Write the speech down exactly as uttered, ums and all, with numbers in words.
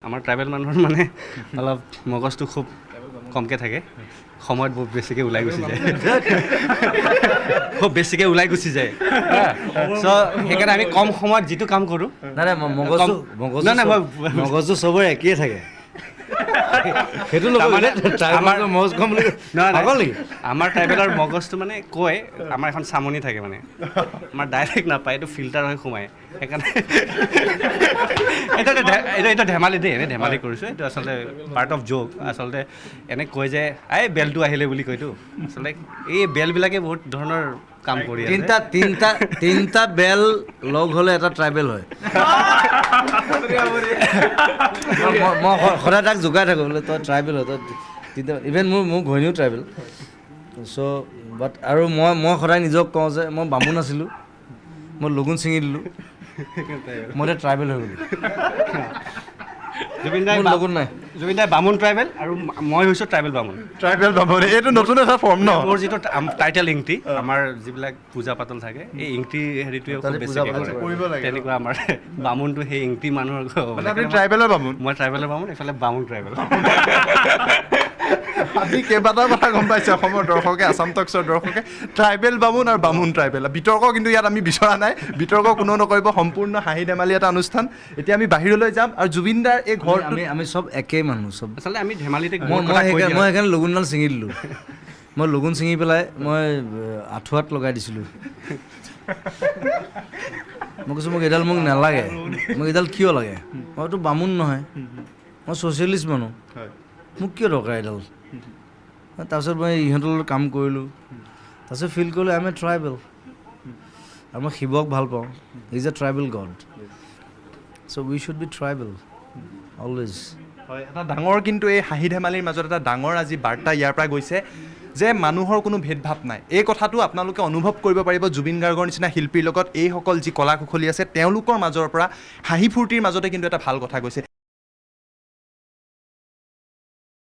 আমাৰ ট্ৰাইবেল মানুহৰ মানে অলপ মগজটো খুব কমকৈ থাকে, সময়ত বহুত বেছিকৈ ওলাই গুচি যায়, খুব বেছিকৈ ওলাই গুচি যায়। চ' সেইকাৰণে আমি কম সময়ত যিটো কাম কৰোঁ, নাই নাই মগজু মগজু নাই নাই মই মগজু চবৰে একেই থাকে, সেইটো তাৰমানে আমাৰ মগজ কম বুলি পাগল নেকি? আমাৰ ট্ৰাইবেলৰ মগজটো মানে কয়, আমাৰ এখন চামনি থাকে মানে, আমাৰ ডাইৰেক্ট নাপায়, এইটো ফিল্টাৰ হৈ সোমায়, সেইকাৰণে এইটো এইটো এইটো ধেমালি দেই, এনেই ধেমালি কৰিছোঁ, এইটো আচলতে পাৰ্ট অফ জ'ক। আচলতে এনে কয় যে এই বেলটো আহিলে বুলি কয়তো, আচলতে এই বেলবিলাকে বহুত ধৰণৰ কাম কৰি আছে। তিনিটা তিনিটা তিনিটা বেল লগ হ'লে এটা ট্ৰাইবেল হয়। মই সদায় তাক জোকাই থাকোঁ বোলে তই ট্ৰাইবেল হয়, তই তিনিটা ইভেন মোৰ মোৰ ঘৈণীও ট্ৰাইবেল। চ' বাট আৰু মই মই সদায় নিজক কওঁ যে মই বামুণ আছিলোঁ, মই লগুণ ছিঙি দিলোঁ, মই এতিয়া ট্ৰাইবেল হৈ গ'লোঁ। জুবিন দাই লগুণ নাই, জুবিন দাই বামুণ ট্ৰাইবেল আৰু মই হৈছোঁ ট্ৰাইবেল বামুণ। ট্ৰাইবেল বামুণ, এইটো নতুন এটা ফৰ্ম ন? মোৰ যিটো টাইটেল ইংটি, আমাৰ যিবিলাক পূজা পাতল থাকে, এই ইংটি হেৰিটোৱে খুব বেছিকৈ কৰে, তেনেকুৱা আমাৰ বামুণটো সেই ইংটি মানুহৰ। আপুনি ট্ৰাইবেলৰ বামুণ? মই ট্ৰাইবেলৰ বামুণ, এইফালে বামুণ ট্ৰাইবেল। আজি কেইবাটাও কথা গম পাইছে অসমৰ দৰ্শকে, আছাম টক্সৰ দৰ্শকে, ট্ৰাইবেল বামুণ আৰু বামুণ ট্ৰাইবেল। বিতৰ্ক কিন্তু ইয়াত আমি বিচৰা নাই, বিতৰ্ক কোনো নকৰিব, সম্পূৰ্ণ হাঁহি ধেমালি এটা অনুষ্ঠান। এতিয়া আমি বাহিৰলৈ যাম আৰু জুবিন দাৰ এই ঘৰ আমি আমি চব একেই মানুহ চব। আচলতে আমি ধেমালিতে মই মই সেইকাৰণে মই সেইকাৰণে লগুণডাল ছিঙি দিলোঁ। মই লগুণ ছিঙি পেলাই মই আঁঠুৱাত লগাই দিছিলোঁ। মই কৈছোঁ মোক এইডাল মোক নালাগে, মোক এইডাল কিয় লাগে? মইতো বামুণ নহয়, মই ছ'চিয়েলিষ্ট মানুহ, মোক কিয় দৰকাৰ এইডাল? তাৰপিছত মই ইহঁতৰ লগত কাম কৰিলোঁ, তাৰপিছত ফিল কৰিলোঁ আই এম এ ট্ৰাইবেল, আৰু মই শিৱক ভাল পাওঁ, is a tribal god, so' we should be tribal always. হয়, এটা ডাঙৰ কিন্তু এই হাঁহি ধেমালিৰ মাজত এটা ডাঙৰ আজি বাৰ্তা ইয়াৰ পৰা গৈছে যে মানুহৰ কোনো ভেদভাৱ নাই। এই কথাটো আপোনালোকে অনুভৱ কৰিব পাৰিব জুবিন গাৰ্গৰ নিচিনা শিল্পীৰ লগত এইসকল যি কলা কুশলী আছে তেওঁলোকৰ মাজৰ পৰা হাঁহি ফূৰ্তিৰ মাজতে কিন্তু এটা ভাল কথা গৈছে।